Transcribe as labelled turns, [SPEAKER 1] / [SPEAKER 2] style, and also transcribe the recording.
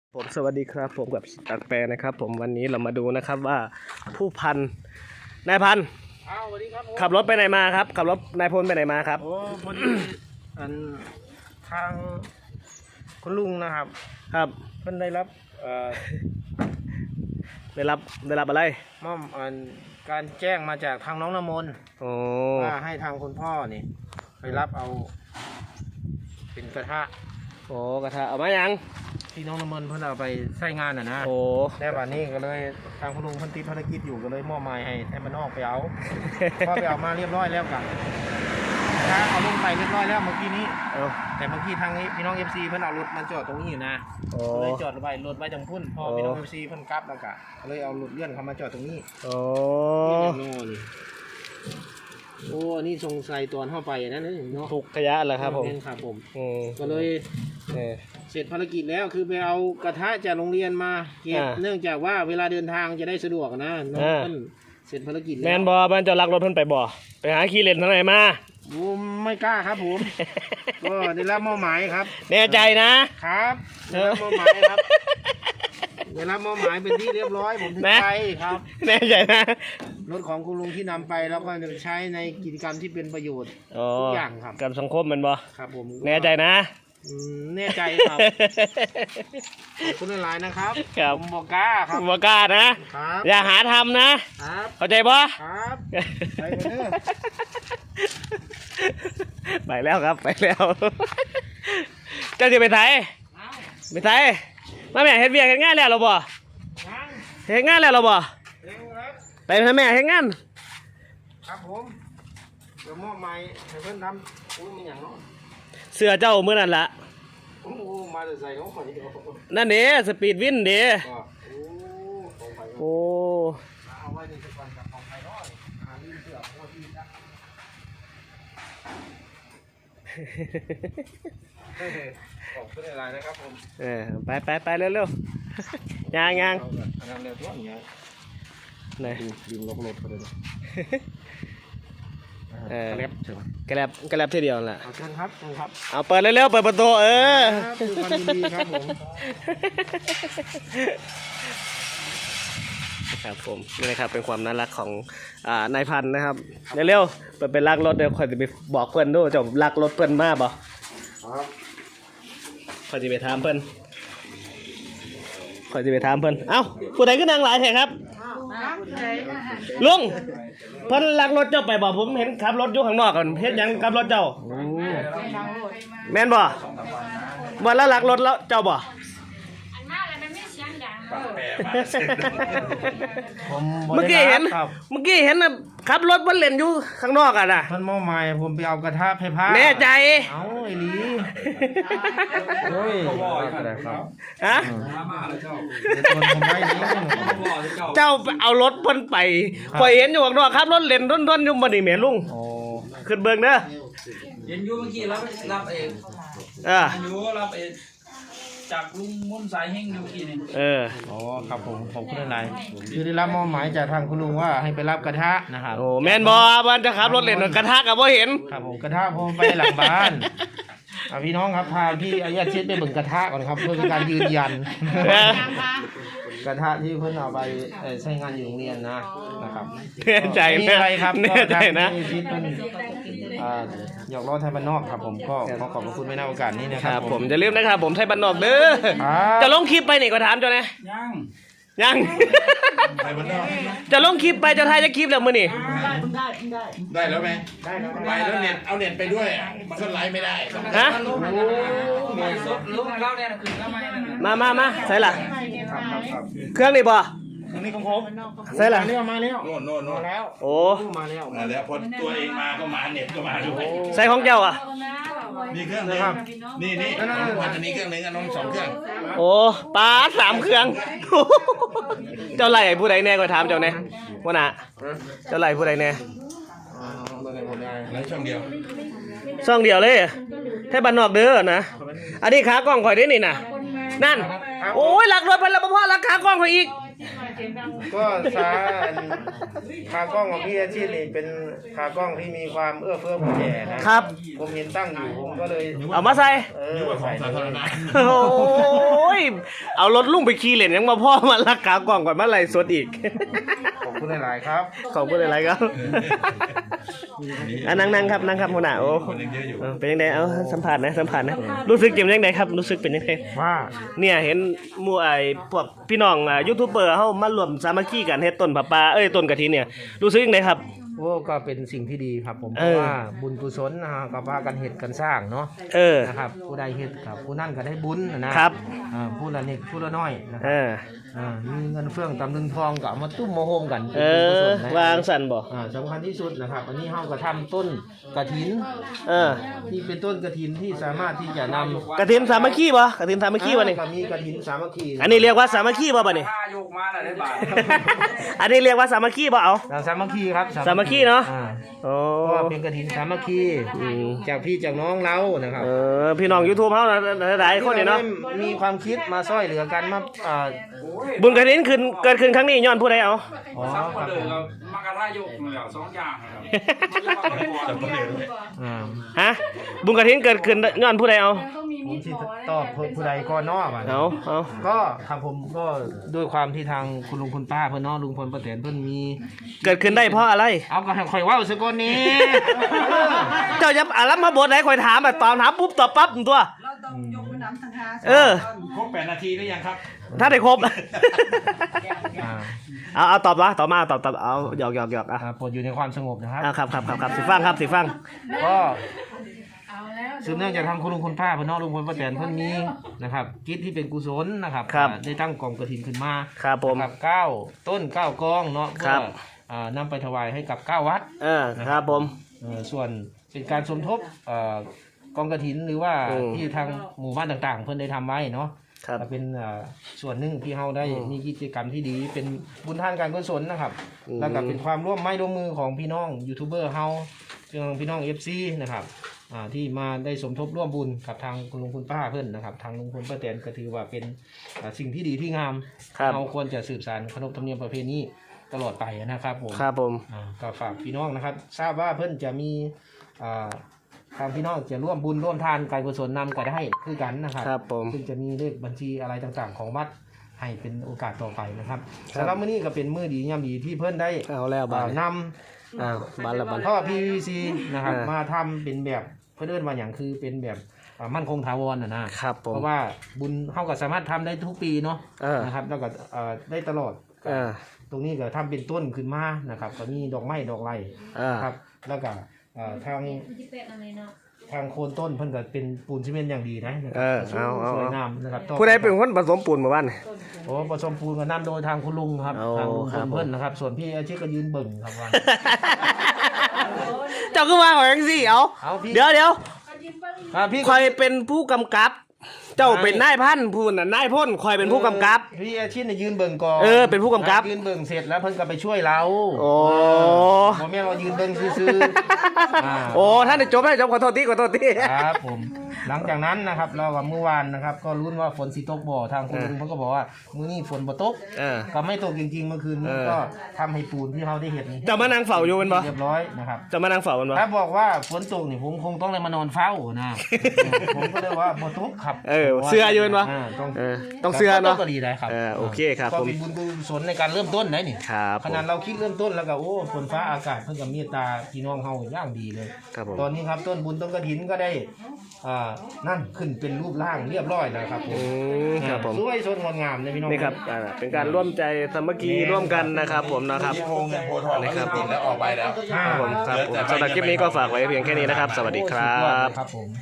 [SPEAKER 1] ผมสวัสดีครับผมกับตักแปรนะครับผมวันนี้เรามาดูนะครับว่าผู้พันนายพัน
[SPEAKER 2] สวัสดีครับผม
[SPEAKER 1] ขับรถไปไหนมาครับขับรถนายพลไปไหนมาครับ
[SPEAKER 2] โอ้พอดีทางคุณลุงนะครับ
[SPEAKER 1] ครับ
[SPEAKER 2] เพิ่นได้รับ
[SPEAKER 1] ได้รับอะไร
[SPEAKER 2] มอบการแจ้งมาจากทางน้องน้ำมนต์ว่าให้ทางคุณพ่อนี่ไปรับเอาเป็นกระทะ
[SPEAKER 1] โอ้กระทะเอามายัง
[SPEAKER 2] ที่น้องน้ำมนต์เพิ่นเอาไปใช้งานนะ
[SPEAKER 1] โอ้
[SPEAKER 2] แต่วันนี้ก็เลยทางคุณลุงเพิ่นติดภารกิจอยู่ก็เลยมอบหมายให้มันออกไปเอา พอไปเอามาเรียบร้อยแล้วกันเอาลงไปเรียบร้อยแล้วเมื่อกี้นี้แต่เมื่อกี้ทางนี้พี่น้อง FC เพิ่นเอารถมาจอดตรงนี้อยู่นะเลยจอดไว้รถไว้จังพุ่นพอพี่น้อง FC เพิ่นกลับแล้วก็เลยเอารถเลื่อนเข้ามาจอดตรงนี้
[SPEAKER 1] โอ้
[SPEAKER 2] โอ้นี่สงสัยตอนเข้าไปนั่นเนาะ
[SPEAKER 1] ถูกขยะเหรอครับผม
[SPEAKER 2] ครับผมก็เลยเสร็จภารกิจแล้วคือไปเอากระทะจากโรงเรียนมาเก็บเนื่องจากว่าเวลาเดินทางจะได้สะดวกนะน้องเพิ่นเสร็จภารกิจแล้ว
[SPEAKER 1] แมนบอมันจะลักรถเพิ่นไปบ่ไปหาขี้เล่นทางไหนมา
[SPEAKER 2] ผมไม่กล้าครับผมก็ได้รับมอบหมายครับ
[SPEAKER 1] แน่ใจนะครับ
[SPEAKER 2] ได้รับมอบหมายครับได้รับมอบหมายเป็นที่เรียบร้อยผมถึงไปครับ
[SPEAKER 1] แน่ใจนะ
[SPEAKER 2] รถของคุณลุงที่นำไปแล้วก็จะใช้ในกิจกรรมที่เป็นประโยชน์ทุกอย่างครับ
[SPEAKER 1] กับสังคมมันบ่
[SPEAKER 2] ครับผม
[SPEAKER 1] แน่ใจนะ
[SPEAKER 2] แน่ใจครับขอบคุณหลายนะครับผมบอกกล้าครับ
[SPEAKER 1] บอกกล้านะครับอย่าหาทำนะครับเข้าใจบ่
[SPEAKER 2] ครับไปเด้อ
[SPEAKER 1] ไปแล้วครับไปแล้วเจ้าจะไปไทยมาแม่เฮ็ดเวียกเฮ็ดงานแล้วหรอบ่เฮ็ดงานแล้วหรอบ่ไปทำแม่เฮ็ดงาน
[SPEAKER 2] ครับผมเดี๋ยวมอบหมายให้เพิ่นทำอู้มีหยังเนาะ
[SPEAKER 1] เสื้อเจ้ามื้อนั้นล่ะ
[SPEAKER 2] โอ้มาแต่ใส่ของข่อย
[SPEAKER 1] นั่นเด้สปีดวินเด้โอ้
[SPEAKER 2] เอาไว้ในก่อนกับของไผเนาะลืมเสื้อของพี่จ้ะขอบคุณหลายนะครับผม
[SPEAKER 1] ไปเร็วๆย่าง
[SPEAKER 2] งานเร็วตัวอย่างเงี้ย
[SPEAKER 1] ไหน
[SPEAKER 2] ดึงลงรถไปเลย
[SPEAKER 1] กระแลบทีเดียวแหละ
[SPEAKER 2] เชิญครับ
[SPEAKER 1] เอาเปิดเร็วๆเปิดประตู
[SPEAKER 2] ดูความดีครับผม
[SPEAKER 1] ครับผมนี่นะครับเป็นความน่ารักของนายพันนะครับเร็วๆเปิดเป็นลักรถเดี๋ยวคอยจะไปบอกเพื่อนด้วยจะลักรถเพื่อนมากบ่คอยจะไปถามเพื่อนเอ้าผู้ใดขึ้นนางหลายแท้ครับลุงเพิ่นลักรถเจ้าไปบ่ผมเห็นขับรถอยู่ข้างนอกกันเฮ็ดหยังขับรถเจ้าแม่นบ่วันละลักรถแล้วเจ้าบ่เมื่อกี้เห็นนะขับรถบนเลนอยู่ข้างนอกอ่ะนะ
[SPEAKER 2] มันมอใหม่ผมไปเอากระทะไฟฟ้า
[SPEAKER 1] แน่ใจ
[SPEAKER 2] เอาไอ้ลีโอ้ย
[SPEAKER 1] ฮะเจ้าเอารถเพิ่นไปข่อยเห็นอยู่ข้างนอกขับรถเลนด้นอยู่บ่นี่แม่ลุงขึ้นเบิ่งเด้อ
[SPEAKER 3] เห็นอยู่เมื่อกี้รับเองอยู่รับเองจากลุงมุ่นสายเฮงอยู่กี่นี่
[SPEAKER 2] อ๋อครับผมขอบคุณหลายคือได้รับมอบหมายจากทางคุณลุงว่าให้ไปรับกระทะนะครับ
[SPEAKER 1] โอ้แม่นบ่มันจะขับรถเล่นกระทะก็บ่เห็น
[SPEAKER 2] ครับผมกระทะผมไปหลังบ้านพี่น้องครับพาพี่อาญาเช็ดไปเบิ่งกระทะก่อนครับเพื่อเป็นการยืนยันกระทะที่เพิ่นเอาไปใช้งานอยู่โรงเรียนนะครับ
[SPEAKER 1] แน่ใจนะ
[SPEAKER 2] อะไรครับ
[SPEAKER 1] แน่ใจนะ
[SPEAKER 2] หยอกล้อไทยบ้านนอกครับผมก็ขอบคุณไว้ในโอกาสนี้นะครับ
[SPEAKER 1] ผมจะลืมนะครับผมไทยบ้านนอกเด้อจะลงคลิปไปนี่ก็ถามเจ้านะยังจะลงคลิปไปจะถ่ายจะคลิปแล้วมื้อนี่
[SPEAKER 4] ได้แล้วไหมไปแล้วเน็ตเอาเน็ตไปด้วยมันก็ไลฟ์ไม่ได้
[SPEAKER 1] ฮะ
[SPEAKER 3] ลุงเล่าเนี่ยคือทำไม
[SPEAKER 1] มาใส่ละเครื่องนี่บ่
[SPEAKER 2] นี่ของผม
[SPEAKER 1] ใส่ละ
[SPEAKER 2] มาแล้ว
[SPEAKER 4] โน่น
[SPEAKER 2] มาแล้ว
[SPEAKER 1] โอ้
[SPEAKER 2] มา
[SPEAKER 4] แล้วพอตัวเองมาก็มาเน็ตก็มาด้วย
[SPEAKER 1] ใส่ของเจ้าอ่ะ
[SPEAKER 4] นี่เครื่องนึงนี่วันนี้เครื่องนึงน้อง2เครื่อง
[SPEAKER 1] โอ้ป้า3เครื่องเจ้าไหลผู้ใดแน่ก็ถามเจ้าแน่ว่าน่ะเจ้าไหลผู้ใดแน่
[SPEAKER 4] ช่องเดี
[SPEAKER 1] ยวเลยแค่บ้านนอกเด้อนะอันนี้ขากล้องข่อยได้นี่น่ะนั่นโอ้ยหลักรถไปแล้วพ่อหลักขากล้องข่อยอีก
[SPEAKER 2] ก็ขากล้องของพี่อาชีพนี่เป็นขากล้องที่มีความเอื้อเฟื้อเผื่อแผ่นะครับ ผมเห็นตั้งอยู่ผมก็เลย
[SPEAKER 1] เอามาใส่
[SPEAKER 2] ใส่เลย
[SPEAKER 1] โอ้ยเอารถลุงไปขี่เล่นยังมาพ่อมาลักขากล่องก่อนมาไล่สดอีก
[SPEAKER 2] ขอบคุณหลายๆครับ
[SPEAKER 1] ขอบคุณอะไรครับนั่งครับหัวหน้าโอ้เป็นยังไงเอาสัมผัสนะรู้สึกยังไงครับรู้สึกเป็นยังไง
[SPEAKER 2] ว่า
[SPEAKER 1] เนี่ยเห็นหมู่พวกพี่น้องยูทูบเบอร์เฮามารวมสามัคคีกันเฮ็ดต้นผ้าป่าต้นกฐินเนี่ยรู้สึกยังไงครับ
[SPEAKER 2] โอ้ก็เป็นสิ่งที่ดีครับผมเพราะว่าบุญกุศลนะฮะกับว่ากันเฮ็ดกันสร้างเนาะนะครับผู้ใดเฮ็ดกับผู้นั่นก็ได้บุญนะครับผู้ละนิดผู้ละน้อยนะครับมีเงินเฟื่องตำลึงทองก็เอามาตุ้มมาโฮมกันเป็นบุญกุศลนะ
[SPEAKER 1] วางสั่นบ่
[SPEAKER 2] สำคัญที่สุดนะครับอันนี้เฮาก็ทำต้นกฐินที่เป็นต้นกฐินที่สามารถที่จะนำ
[SPEAKER 1] กฐินสามัคคีบ่กฐินสามัคคีบ่นี่
[SPEAKER 2] ก็มีกฐินสามัคคี
[SPEAKER 1] อันนี้เรียกว่าสามัคคีบ่นี่
[SPEAKER 3] ถ้ายกมาแล้วได้บาท
[SPEAKER 1] อันนี้เรียกว่าสามัคคีบ่เอา
[SPEAKER 2] สามัคคีครับ
[SPEAKER 1] สามัคคีเนาะโอ้
[SPEAKER 2] เพราะว่าเป็นกฐินสามัคคีจากพี่จากน้องเรานะครับ
[SPEAKER 1] พี่น้อง YouTube เฮาหลายคนนี่เนาะ
[SPEAKER 2] มีความคิดมาช่วยเหลือกันมา
[SPEAKER 1] บุญกฐินเกิดขึ้นครั้งนี้ย้อนผู้ใดเอา
[SPEAKER 2] อ๋อ
[SPEAKER 3] ซับ
[SPEAKER 2] ครับ
[SPEAKER 3] เลยเรามากระทายกเลยสองอย่างครับ
[SPEAKER 1] ฮะบุญกฐินเกิดขึ้นย้อนผู้ใดเอา
[SPEAKER 2] ผมสิตอบผู้ใดก็นอกอ่ะ
[SPEAKER 1] เอา
[SPEAKER 2] ก็ทางผมก็ด้วยความที่ทางคุณลุงคุณป้าเพิ่นเนาะลุงพลป้าแตนเพิ่นมี
[SPEAKER 1] เกิดขึ้นได้เพราะอะไร
[SPEAKER 2] เอาก็ให้ข่อยเว้าซะก่อนนี้
[SPEAKER 1] เจ้าจะอามาบทไหนคอยถามตอนถามปุ๊บตอบปั๊บตัว
[SPEAKER 5] เราต้องยกมือน้ำทางหา
[SPEAKER 4] ครบ8 นาทีหรือยังครับ
[SPEAKER 1] ถ้าได้ครบเอาตอบมาเอาหยอกอ่ะ
[SPEAKER 2] โปรดอยู่ในความสงบนะครับ
[SPEAKER 1] ครับสิฟัง
[SPEAKER 2] ก็สืบเนื่องจากทางคุณลุงคุณป้าเพิ่นเนาะลุงพลป้าแตนเพิ่นมีนะครับกิจที่เป็นกุศลนะครับได้ตั้งกองกฐินขึ้นมา
[SPEAKER 1] ครับผม
[SPEAKER 2] ครับ9ต้น9กองเนาะเพื่อนำไปถวายให้กับ9วัด
[SPEAKER 1] ครับผม
[SPEAKER 2] ส่วนเป็นการสมทบกองกฐินหรือว่าที่ทางหมู่บ้านต่างๆ เพิ่นได้ทำไว้เนาะเป็นส่วนหนึ่งที่เฮาได้มีกิจกรรมที่ดีเป็นบุญทานการกุศลนะครับแล้วก็เป็นความร่วมไม้ร่วมมือของพี่น้องยูทูบเบอร์เฮาพี่น้อง FC นะครับที่มาได้สมทบร่วมบุญกับทางคุณลุงคุณป้าเพิ่นนะครับทางลุงพลป้าแตนก็ถือว่าเป็นสิ่งที่ดีที่งามเราควรจะสืบสานขนบธรรมเนียมประเพณีตลอดไปนะครับผมก็ฝากพี่น้องนะครับทราบว่าเพิ่นจะมีทางพี่น้องจะร่วมบุญร่วมทานการกุศลนำก็ได้คือกันนะครับซึ่งจะมีเลขบัญชีอะไรต่างๆของวัดให้เป็นโอกาสต่อไปนะครับสำหรับมื้อนี้ก็เป็นมื้อดียามดีที่เพิ่นได้นำท่อ PVC นะครับมาทำเป็นแบบเพิ่นเอิ้นว่าอย่างคือเป็นแบบมั่นคงถาวรนะครับเพราะว่าบุญเฮาก็สามารถทำได้ทุกปีเนาะนะครับแล้วก็ได้ตลอดตรงนี้ก็ทำเป็นต้นขึ้นมานะครับก็มีดอกไม้ดอกไร่ครับแล้วก็ทางโคนต้นเพิ่นก็เป็นปูนซีเมนต์อย่างดีนะสวยงามนะครับ
[SPEAKER 1] ผู้ใดเป็นคนผสมปูนมาบ้าน
[SPEAKER 2] โอ้ผสมปูนก็นำโดยทางคุณลุงครับทางลุงเพิ่นนะครับส่วนพี่อาชีพก็ยืนเบิ่งครับว่า
[SPEAKER 1] เจ้าก็ว่าของยังสิเดี๋ยวพี่คอยเป็นผู้กำกับเจ้าเป็นนายพันผู้น่ะนายพ่นคอยเป็นผู้กำกับ
[SPEAKER 2] พี่อาชีพเนี่ยยืนเบิ่งก่อน
[SPEAKER 1] เป็นผู้กำกับ
[SPEAKER 2] ยืนเบิ่งเสร็จแล้วเพิ่นก็ไปช่วยเราบ่แม่นว่ายืนเบิ่งซื่อ
[SPEAKER 1] โอ้ท่านได้จบขอโทษที
[SPEAKER 2] ครับผมหลังจากนั้นนะครับเรากับเมื่อวานนะครับก็ลุ้นว่าฝนสิตกบ่ทางคุณลุงเพิ่นก็บอกว่ามื้อนี้ฝนบ่ตกก็ไม่ตกจริงๆเมื่อคืนนี้ก็ทำให้ปูนที่เราได้เห็นนี่
[SPEAKER 1] จะมานั่งเฝ้าอยู่แม่นบ่
[SPEAKER 2] เรียบร้อยนะครับ
[SPEAKER 1] จะมานั่งเฝ้าแม่นบ่
[SPEAKER 2] ถ้าบอกว่าฝนตกนี่ผมคงต้องเลยมานอนเฝ้านะผมก็เลยว่าบ่ตกครับ
[SPEAKER 1] เสื้ออยู่แม่นบ่ต้องเสื้อเนาะ
[SPEAKER 2] ก็ดีได้ครับ
[SPEAKER 1] โอเคครับ
[SPEAKER 2] ก็เป็นบุญกุศลในการเริ่มต้นได้นี่
[SPEAKER 1] ครับ
[SPEAKER 2] ขนาดเราคิดเริ่มต้นแล้วก็โอ้ฝนฟ้าอากาศเพิ่นก็เมตตาพี่น้องเฮาอย่างดีเลยตอนนี้ครับต้นบุญต้นกฐินก็ได้นั่นขึ้นเป็นรูปร่างเรียบร้อยแล้วครับผมสวยสดงดงามเลยพี่น้อง
[SPEAKER 1] นี่ครับเป็นการร่วมใจสามัคคีร่วมกันนะครับผมนะครับ
[SPEAKER 4] นะครับแล้วออกไปแล้ว
[SPEAKER 1] ครับผมสำหรับคลิปนี้ก็ฝากไว้เพียงแค่นี้นะครับสวัสดีครับ